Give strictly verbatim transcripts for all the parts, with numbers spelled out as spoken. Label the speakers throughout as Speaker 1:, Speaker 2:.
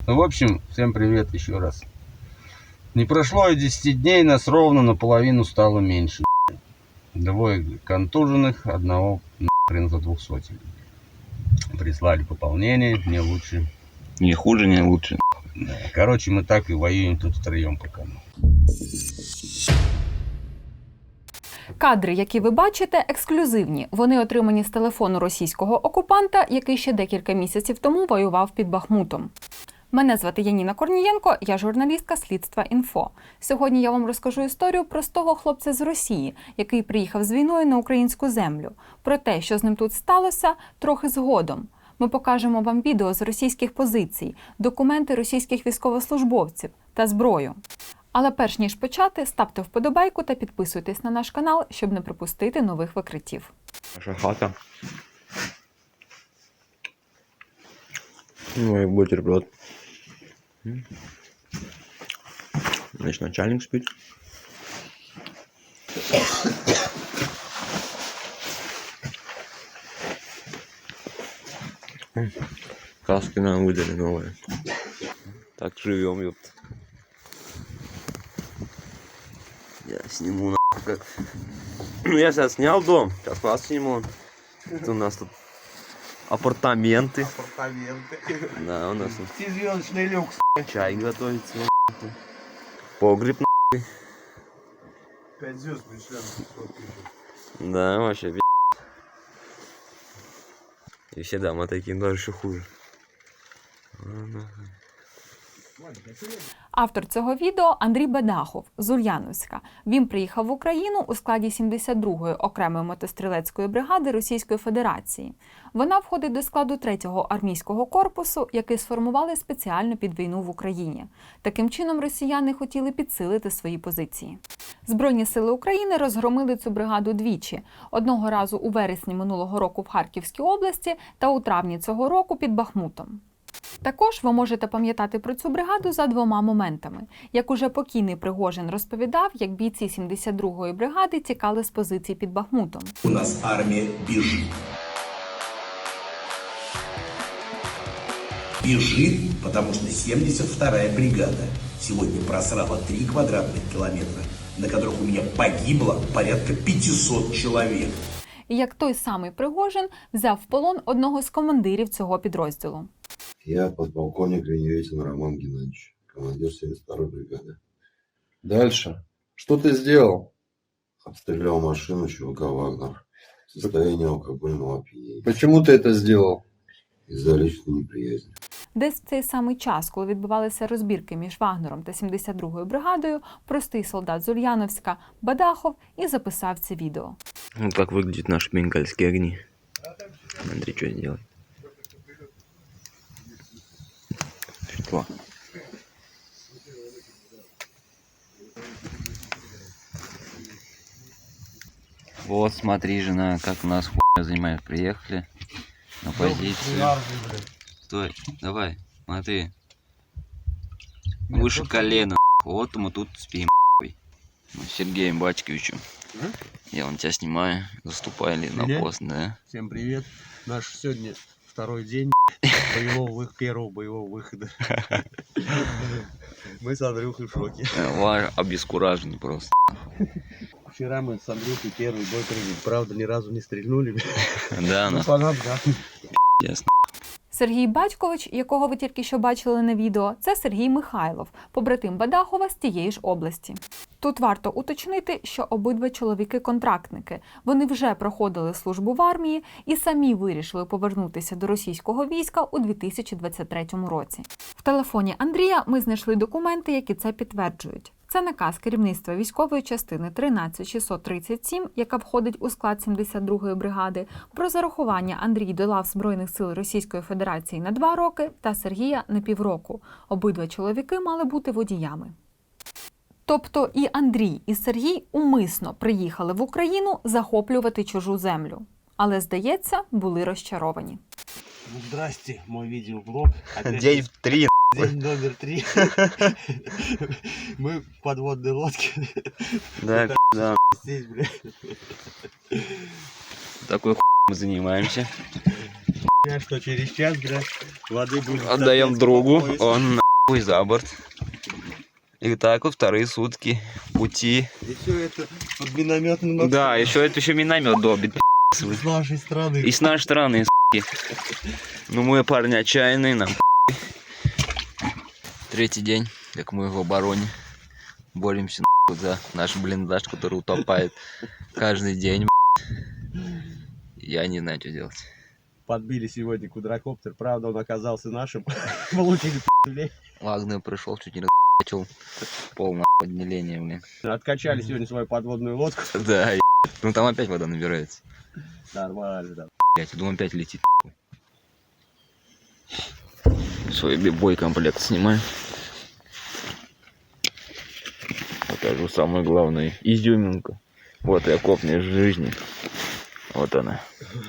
Speaker 1: Ну, в общем, всем привет еще раз. Не прошло и десяти дней, нас ровно наполовину стало меньше. Двое контуженных, одного нахрен за двухсотен. Прислали пополнение, не лучше.
Speaker 2: Не хуже, не лучше.
Speaker 1: Да. Короче, мы так и воюем тут втроем пока.
Speaker 3: Кадри, які ви бачите, ексклюзивні. Вони отримані з телефону російського окупанта, який ще декілька місяців тому воював під Бахмутом. Мене звати Яніна Корнієнко, я журналістка Слідства Інфо. Сьогодні я вам розкажу історію простого хлопця з Росії, який приїхав з війною на українську землю. Про те, що з ним тут сталося, трохи згодом. Ми покажемо вам відео з російських позицій, документи російських військовослужбовців та зброю. Але перш ніж почати, ставте вподобайку та підписуйтесь на наш канал, щоб не пропустити нових викриттів.
Speaker 2: Наша хата. Ну и бутерброд. Значит, начальник спит. Каски нам выдали новые. Так живем, ёпта. Я сниму нахуй как. Ну я сейчас снял дом, сейчас вас сниму. Это у нас тут апартаменты.
Speaker 1: Апартаменты.
Speaker 2: Да, у нас тут
Speaker 1: Пятизвездочный люкс.
Speaker 2: чай готовится. Погреб нахуй.
Speaker 1: Пять звезд пришли.
Speaker 2: Да, вообще пи***. И все дома такие, даже еще хуже.
Speaker 3: Автор цього відео – Андрій Бадахов з Ульяновська. Він приїхав в Україну у складі сімдесят другої окремої мотострілецької бригади Російської Федерації. Вона входить до складу третього армійського корпусу, який сформували спеціально під війну в Україні. Таким чином росіяни хотіли підсилити свої позиції. Збройні сили України розгромили цю бригаду двічі. Одного разу у вересні минулого року в Харківській області та у травні цього року під Бахмутом. Також ви можете пам'ятати про цю бригаду за двома моментами. Як уже покійний Пригожин розповідав, як бійці сімдесят другої бригади тікали з позицій під Бахмутом.
Speaker 4: У нас армія біжить. Бежит, потому что семьдесят вторая бригада сегодня просрала три квадратных километра, на которых у меня погибло порядка пятисот человек.
Speaker 3: І як той самий Пригожин взяв в полон одного з командирів цього підрозділу.
Speaker 5: Я подполковник Ленивитин Роман Геннадьевич, командир семьдесят второй бригады.
Speaker 6: Дальше. Что ты сделал?
Speaker 5: Обстрелял машину ЧВК «Вагнер» в состоянии алкогольного опьянения.
Speaker 6: Почему ты это сделал?
Speaker 5: Из-за личной неприязни.
Speaker 3: Десь в цей самий час, коли відбувалися розбірки між Вагнером та сімдесят другою бригадою, простий солдат з Ульяновська Бадахов і записав це відео.
Speaker 2: Вот как выглядят наши бенгальские огни. Смотри, что делать. Светло. Вот смотри, жена, как у нас хуйня занимает. Приехали на позицию. Стой, давай, смотри. Выше колена. Вот мы тут спим. Мы с Сергеем Батьковичем. Я вон тебя снимаю, заступали на пост, да?
Speaker 7: Всем привет. Наш сегодня второй день боевого вы... первого боевого выхода. Мы с Андрюхой в шоке.
Speaker 2: Ва- Обескуражены просто.
Speaker 7: Вчера мы с Андрюхой первый бой приняли. Правда, ни разу не стрельнули.
Speaker 2: Да,
Speaker 7: Ну,
Speaker 2: ну,
Speaker 7: понятно, да.
Speaker 2: ясно.
Speaker 3: Сергій Батькович, якого ви тільки що бачили на відео, це Сергій Михайлов, побратим Бадахова з тієї ж області. Тут варто уточнити, що обидва чоловіки-контрактники. Вони вже проходили службу в армії і самі вирішили повернутися до російського війська у дві тисячі двадцять третьому році. В телефоні Андрія ми знайшли документи, які це підтверджують. Це наказ керівництва військової частини тринадцять шістсот тридцять сім, яка входить у склад сімдесят другої бригади, про зарахування Андрій до лав Збройних сил Російської Федерації на два роки та Сергія на півроку. Обидва чоловіки мали бути водіями. Тобто і Андрій, і Сергій умисно приїхали в Україну захоплювати чужу землю. Але, здається, були розчаровані.
Speaker 7: Ну, здрасте, мой видеоблог. Опять
Speaker 2: День в три.
Speaker 7: день номер три. Мы в подводной лодке.
Speaker 2: Да, да.
Speaker 7: Здесь, бля.
Speaker 2: Такой хуй мы занимаемся.
Speaker 7: Я что, через час, блядь, воды будет...
Speaker 2: Отдаем
Speaker 7: соответственно,
Speaker 2: другу,
Speaker 7: по пояс.
Speaker 2: он нахуй за борт. И так вот вторые сутки пути.
Speaker 7: И все это под минометным...
Speaker 2: Да, еще это еще миномет добит.
Speaker 7: С нашей стороны.
Speaker 2: И с нашей стороны, с***ки. Ну мы парни отчаянные, нам третий день, как мы в обороне. Боремся нахуй за наш блиндаж, который утопает каждый день. Я не знаю, что делать.
Speaker 7: Подбили сегодня квадрокоптер, правда, он оказался нашим. Получили пи***лей.
Speaker 2: Вагнер пришел, чуть не расчел полное отделение, блин.
Speaker 7: Откачали сегодня свою подводную лодку.
Speaker 2: Да, е- ну там опять вода набирается.
Speaker 7: Нормально, да.
Speaker 2: Блять, думаю, опять летит. Свой бой-комплект снимаю. Покажу самое главное. Изюминка. Вот и окопная жизни. Вот она.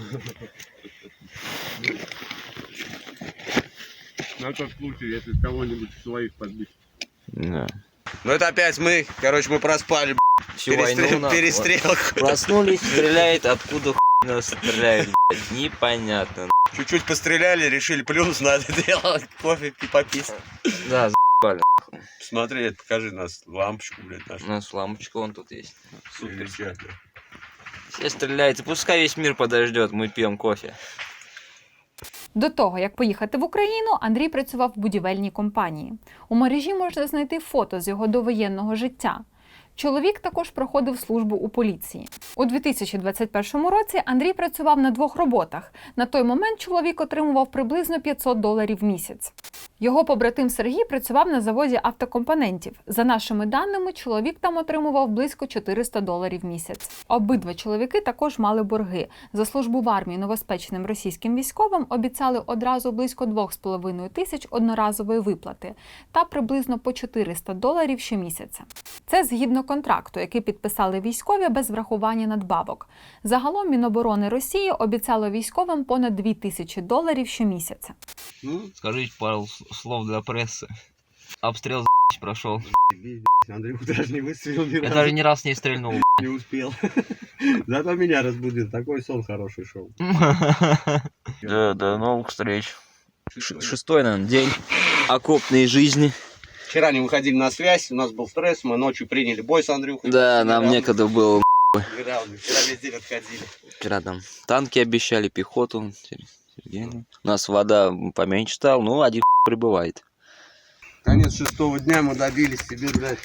Speaker 7: На тот случай, если кого-нибудь своих подбить.
Speaker 2: Да.
Speaker 1: Ну это опять мы, короче, мы проспали,
Speaker 2: Всю войну на-
Speaker 1: перестрелку.
Speaker 2: Проснулись, стреляет, откуда хуй нас стреляет, блядь, непонятно.
Speaker 1: Чуть-чуть постреляли, решили плюс надо делать, кофе и попить.
Speaker 2: Да, за***ли.
Speaker 1: Смотри, покажи нас лампочку, блядь, нашу.
Speaker 2: У нас лампочка вон тут есть.
Speaker 1: Супер.
Speaker 2: Все стреляют, и пускай весь мир подождет, мы пьем кофе.
Speaker 3: До того, як поїхати в Україну, Андрій працював в будівельній компанії. У мережі можна знайти фото з його довоєнного життя. Чоловік також проходив службу у поліції. У дві тисячі двадцять першому році Андрій працював на двох роботах. На той момент чоловік отримував приблизно п'ятсот доларів в місяць. Його побратим Сергій працював на заводі автокомпонентів. За нашими даними, чоловік там отримував близько чотириста доларів в місяць. Обидва чоловіки також мали борги. За службу в армії новоспеченим російським військовим обіцяли одразу близько двох з половиною тисяч одноразової виплати та приблизно по чотириста доларів щомісяця. Це згідно контракту, який підписали військові без врахування надбавок. Загалом Міноборони Росії обіцяло військовим понад дві тисячі доларів щомісяця.
Speaker 2: Ну, скажите пару слов для прессы. Обстрел за***ь прошел.
Speaker 7: Андрюх даже не выстрелил ни
Speaker 2: Я
Speaker 7: разу,
Speaker 2: даже ни раз не стрельнул.
Speaker 7: не успел. Зато меня разбудил, такой сон хороший шел.
Speaker 2: Да, до новых встреч. Ш- Шестой, наверное, день окопной жизни.
Speaker 1: Вчера не выходили на связь, у нас был стресс, мы ночью приняли бой с Андрюхой.
Speaker 2: Да, нам
Speaker 1: Неравно-
Speaker 2: некогда было.
Speaker 1: неравно. Вчера весь день отходили.
Speaker 2: Вчера там танки обещали, пехоту. Сергей, ну. У нас вода поменьше стала, ну, один прибывает.
Speaker 1: Конец шестого дня мы добились себе, блядь,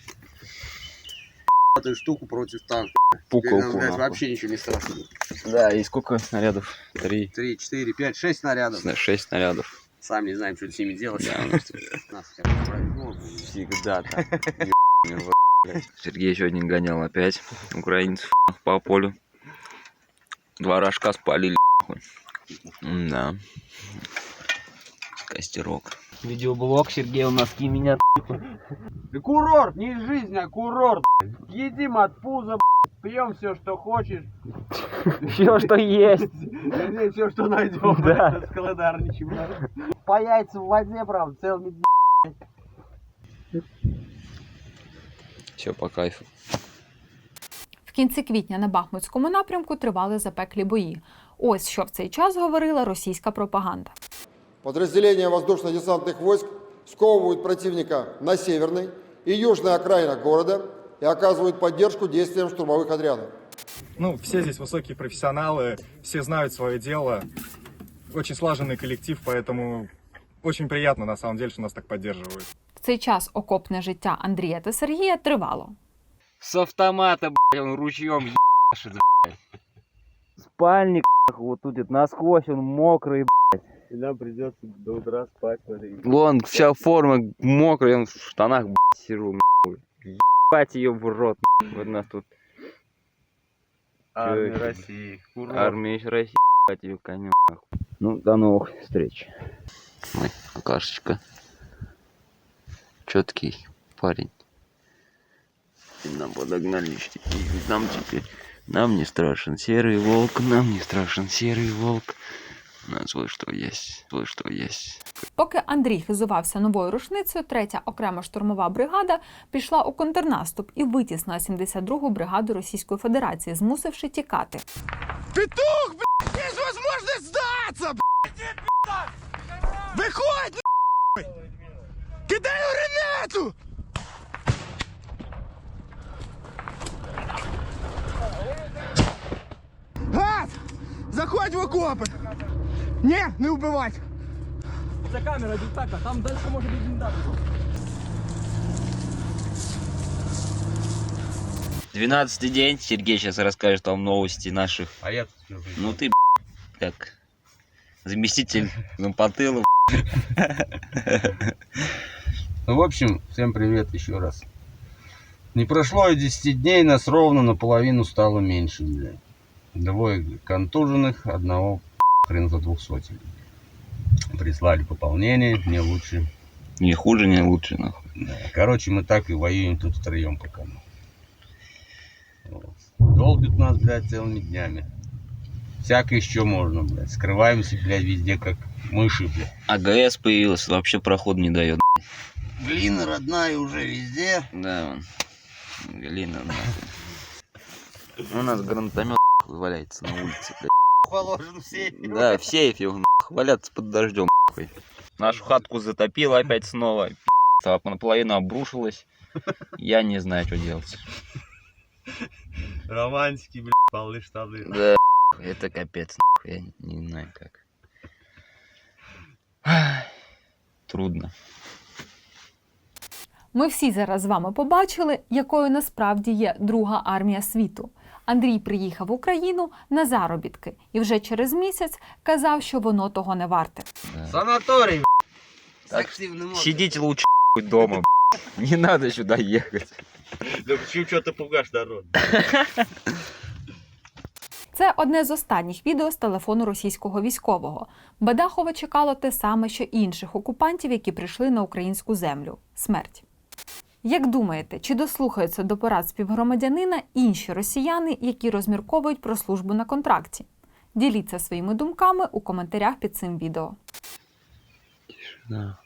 Speaker 1: эту штуку против танка. Теперь нам,
Speaker 2: Пукалку,
Speaker 1: блядь,
Speaker 2: нахуй.
Speaker 1: вообще ничего не страшно.
Speaker 2: Да, и сколько снарядов? Три,
Speaker 1: Три, четыре, пять, шесть снарядов.
Speaker 2: шесть снарядов.
Speaker 1: Сам не знаем, что с ними делать.
Speaker 2: Да, ну,
Speaker 1: Нас хотя бы повезло.
Speaker 2: всегда так. Сергей сегодня гонял опять украинцев по полю. Два рожка спалили. Да. Костерок. Видеоблог Сергей у нас меня.
Speaker 1: Да курорт, не жизнь, а курорт. Едим от пуза, пьем все, что хочешь.
Speaker 2: Все, что есть.
Speaker 1: Вернее, все, что найдем.
Speaker 2: Да.
Speaker 1: Складарничаем. По яйцам в воде, правда, целыми.
Speaker 2: Все по кайфу.
Speaker 3: В кінці квітня на Бахмутському напрямку тривали запеклі бої. Ось що в цей час говорила російська пропаганда.
Speaker 8: Подразделения воздушно-десантных войск сковывают противника на северной и южной окраинах города и оказывают поддержку действиям штурмовых отрядов.
Speaker 9: Ну, все здесь высокие профессионалы, все знают свое дело. Очень слаженный коллектив, поэтому очень приятно, на самом деле, что нас так поддерживают.
Speaker 3: В цей час окопне життя Андрія та Сергія тривало.
Speaker 2: С автомата, блядь, он ручьем ебашит, блядь. Спальник, вот тут это насквозь, он мокрый, блядь.
Speaker 7: И нам придется до утра спать, смотри.
Speaker 2: Вон, вся форма мокрая, он в штанах, блядь, сижу, нахуй. Ебать ее в рот, нахуй. Вот нас тут
Speaker 7: Армия
Speaker 2: Чё это?
Speaker 7: России. Курорт.
Speaker 2: армия России, ебать ее конем, нахуй. Ну, до новых встреч. Ой, алкашечка. Четкий парень. И нам подогнали, и нам теперь, нам не страшен серый волк, нам не страшен серый волк. У нас вот что есть, вот что есть.
Speaker 3: Поки Андрій хизувався новою рушницею, третя окрема штурмова бригада пішла у контрнаступ і витіснила сімдесят другу бригаду Російської Федерації, змусивши тікати.
Speaker 4: Петух, блядь, есть возможность сдаться, блядь!
Speaker 10: Виходь, кидай гранату! Гад! Заходь в окопи! Не, не вбивать!
Speaker 11: Це камера, так, а там далі може бути бліндаж.
Speaker 2: Двенадцатый день. Сергей сейчас расскажет вам новости наших.
Speaker 1: А я тут что?
Speaker 2: Ну ты, как заместитель Зампотыла.
Speaker 1: Ну, в общем, всем привет еще раз. Не прошло и десяти дней, нас ровно наполовину стало меньше, блядь. Двое контуженных, одного хрен за двухсотен. Прислали пополнение, не лучше.
Speaker 2: Не хуже, не лучше, нахуй.
Speaker 1: Да. Короче, мы так и воюем тут втроем пока. Вот. Долбят нас, блядь, целыми днями. Всякое еще можно, блядь. Скрываемся, блядь, везде, как мыши, блядь.
Speaker 2: АГС появилась, вообще проход не дает.
Speaker 1: Глина родная уже везде.
Speaker 2: Да, вон. Глина, нахуй. У нас гранатомет валяется на улице, блядь.
Speaker 1: Положен в сейфе.
Speaker 2: Да, в сейфе он валяться под дождем. Нахуй. Нашу хатку затопило опять снова. Пи***ца, наполовину обрушилась. Я не знаю, что делать.
Speaker 1: Романтики, блядь, полы штаны.
Speaker 2: Да, это капец, нахуй. Я не знаю как. Ай, трудно.
Speaker 3: Ми всі зараз з вами побачили, якою насправді є Друга армія світу. Андрій приїхав в Україну на заробітки і вже через місяць казав, що воно того не варте.
Speaker 2: Да.
Speaker 1: Санаторий,
Speaker 2: Так, сидите лучше дома, не надо сюда ехать.
Speaker 1: Да почему что ты пугашь народ?
Speaker 3: Це одне з останніх відео з телефону російського військового. Бадахова чекало те саме, що інших окупантів, які прийшли на українську землю – смерть. Як думаєте, чи дослухаються до порад співгромадянина інші росіяни, які розмірковують про службу на контракті? Діліться своїми думками у коментарях під цим відео.
Speaker 2: Тишина.